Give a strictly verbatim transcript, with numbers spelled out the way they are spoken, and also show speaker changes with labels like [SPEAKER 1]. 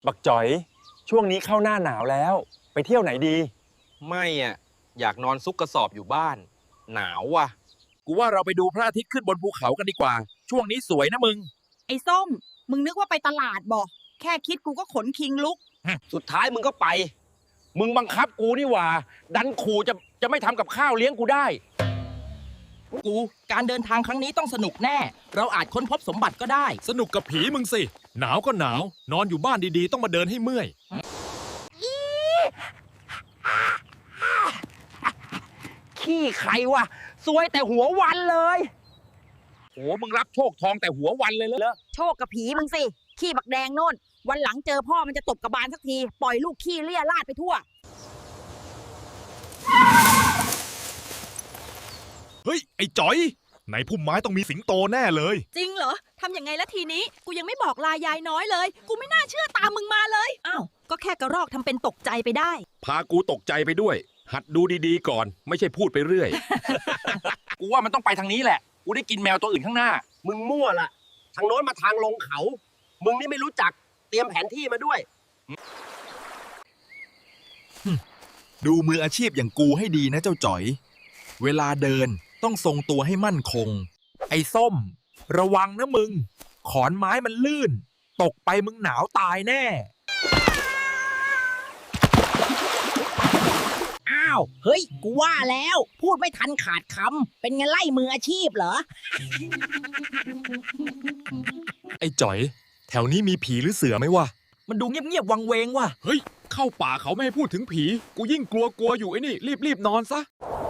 [SPEAKER 1] บักจ๋อยช่วงนี้เข้าหน้าหนาวแล้วไปเที่ยวไหนดี
[SPEAKER 2] ไม่อ่ะอยากนอนซุกกระสอบอยู่บ้านหนาวว่ะ
[SPEAKER 3] กูว่าเราไปดูพระอาทิตย์ขึ้นบนภูเขากันดีกว่าช่วงนี้สวยนะมึง
[SPEAKER 4] ไอ้ส้มมึงนึกว่าไปตลาดบ่แค่คิดกูก็ขนคิงลุก
[SPEAKER 2] สุดท้ายมึงก็ไปมึงบังคับกูนี่หว่าดันขู่จะจะไม่ทำกับข้าวเลี้ยงกูได้
[SPEAKER 5] กูการเดินทางครั้งนี้ต้องสนุกแน่เราอาจค้นพบสมบัติก็ได้
[SPEAKER 3] สนุกกับผีมึงสิหนาวก็หนาวนอนอยู่บ้านดีๆต้องมาเดินให้เมื่อย
[SPEAKER 5] ขี้ใครวะซวยแต่หัววันเลย
[SPEAKER 3] โอ้มึงรับโชคทองแต่หัววันเลยเหรอ
[SPEAKER 4] โชคกับผีมึงสิขี้บักแดงโน่นวันหลังเจอพ่อมันจะตบกระบาลสักทีปล่อยลูกขี้เลี่ยราดไปทั่ว
[SPEAKER 3] เฮ้ยไอ้จ๋อยในพุ่มไม้ต้องมีสิงโตแน่เลย
[SPEAKER 6] จริงเหรอทำยังไงละทีนี้กูยังไม่บอกลายายน้อยเลยกูไม่น่าเชื่อตามมึงมาเลยอ้าวก็แค่กระรอกทำเป็นตกใจไปได้
[SPEAKER 3] พากูตกใจไปด้วยหัดดูดีๆก่อนไม่ใช่พูดไปเรื่อย
[SPEAKER 2] กูว่ามันต้องไปทางนี้แหละกูได้กินแมวตัวอื่นข้างหน้า
[SPEAKER 7] มึงมั่วล่ะทางโน้นมาทางลงเขามึงนี่ไม่รู้จักเตรียมแผนที่มาด้วย
[SPEAKER 8] ดูมืออาชีพอย่างกูให้ดีนะเจ้าจ๋อยเวลาเดินต้องทรงตัวให้มั่นคง
[SPEAKER 3] ไอ้ส้มระวังนะมึงขอนไม้มันลื่นตกไปมึงหนาวตายแน่
[SPEAKER 4] อ้าวเฮ้ยกูว่าแล้วพูดไม่ทันขาดคำเป็นไงไล่มืออาชีพเหรอ
[SPEAKER 3] ไอ้จ๋อยแถวนี้มีผีหรือเสือไหมวะ
[SPEAKER 5] มันดูเงียบๆวังเวงว่ะ
[SPEAKER 3] เฮ้ยเข้าป่าเขาไม่ให้พูดถึงผีกูยิ่งกลัวกลัวอยู่ไอ้นี่รีบๆนอนซะ